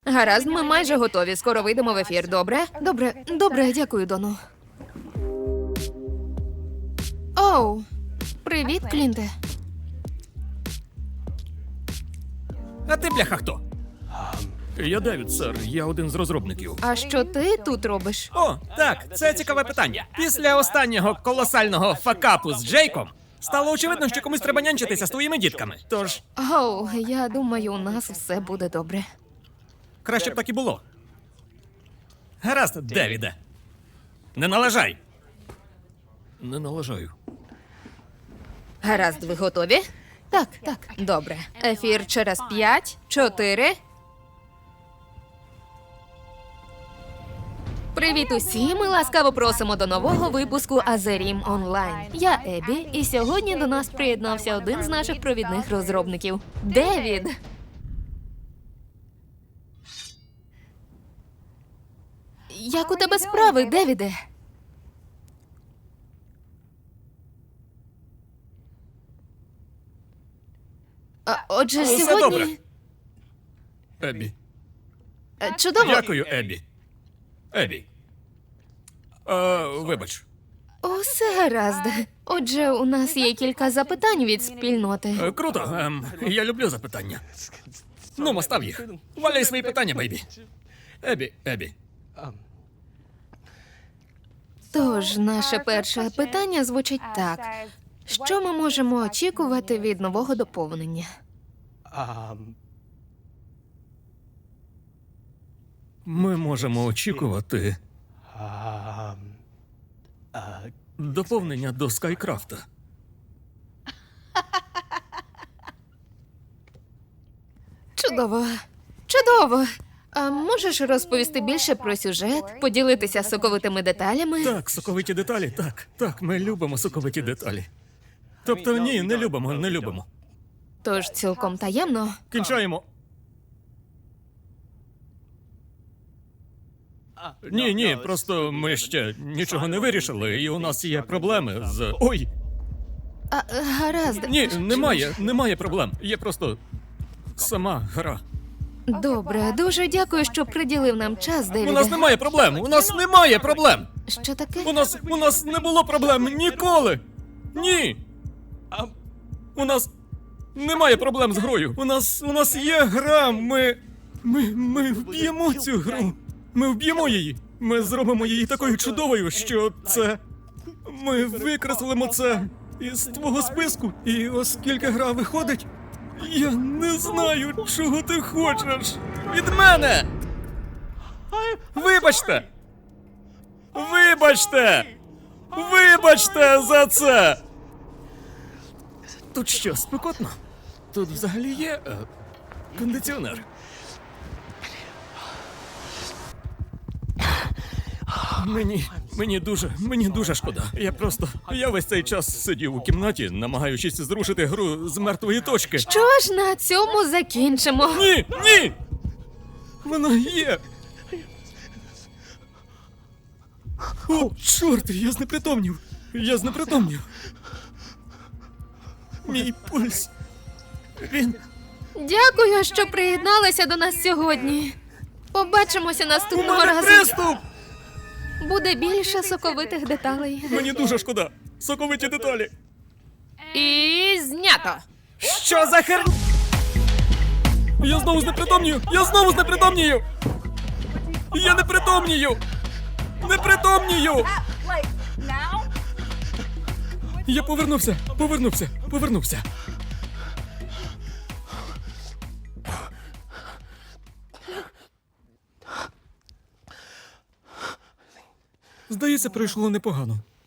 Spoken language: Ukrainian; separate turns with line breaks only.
Гаразд, ми майже готові. Скоро вийдемо в ефір, добре? Добре, дякую, Дону. Оу, привіт, Клінте.
А ти, бляха, хто? Я Девід, сер. Я один з розробників.
А що ти тут робиш?
О, так, це цікаве питання. Після останнього колосального факапу з Джейком стало очевидно, що комусь треба нянчитися з твоїми дітками. Тож,
Оу, я думаю, у нас все буде добре.
краще б так і було. Гаразд, Девіде. Не налажай. Не налажаю.
Гаразд, ви готові? Так. Добре. Ефір через 5, 4... Привіт усім! Ми ласкаво просимо до нового випуску Азерім Онлайн. Я Ебі, і сьогодні до нас приєднався один з наших провідних розробників – Девід. Як у тебе справи, Девіде? Отже,
Усе
сьогодні...
добре. Ебі.
Чудово.
Дякую, Ебі. Ебі. Вибач.
Усе гаразд. Отже, у нас є кілька запитань від спільноти.
Круто. Я люблю запитання. Ну, став їх. Валяй свої питання, бейбі. Ебі.
Тож, наше перше питання звучить так. Що ми можемо очікувати від нового доповнення?
Ми можемо очікувати доповнення до Скайкрафта.
Чудово. А можеш розповісти більше про сюжет, поділитися соковитими деталями?
Так, соковиті деталі, так, ми любимо соковиті деталі. Тобто, ні, не любимо.
Тож цілком таємно.
Кінчаємо. Ні, просто ми ще нічого не вирішили, і у нас є проблеми з... Ой!
Гаразд.
Ні, немає проблем. Є просто сама гра.
Добре, дуже дякую, що приділив нам час, Девіде.
У нас немає проблем!
Що таке?
У нас не було проблем ніколи! Ні! У нас немає проблем з грою. У нас є гра. Ми вб'ємо цю гру. Ми вб'ємо її. Ми зробимо її такою чудовою, що це... Ми викреслимо це із твого списку. І оскільки гра виходить, я не знаю, чого ти хочеш від мене. Вибачте! Вибачте за це! Тут що, спекотно? Тут взагалі є кондиціонер. Мені дуже шкода. Я весь цей час сидів у кімнаті, намагаючись зрушити гру з мертвої точки.
Що ж, на цьому закінчимо.
Ні! Вона є! О, чорт, я знепритомнів. Мій пульс. Він...
Дякую, що приєдналися до нас сьогодні. Побачимося
У
наступного
мене
разу.
приступ!
Буде більше соковитих деталей.
Мені дуже шкода. Соковиті деталі.
І знято.
Що за хер... Я знову знепритомнію! Я непритомнію! Я повернувся. Здається, пройшло непогано.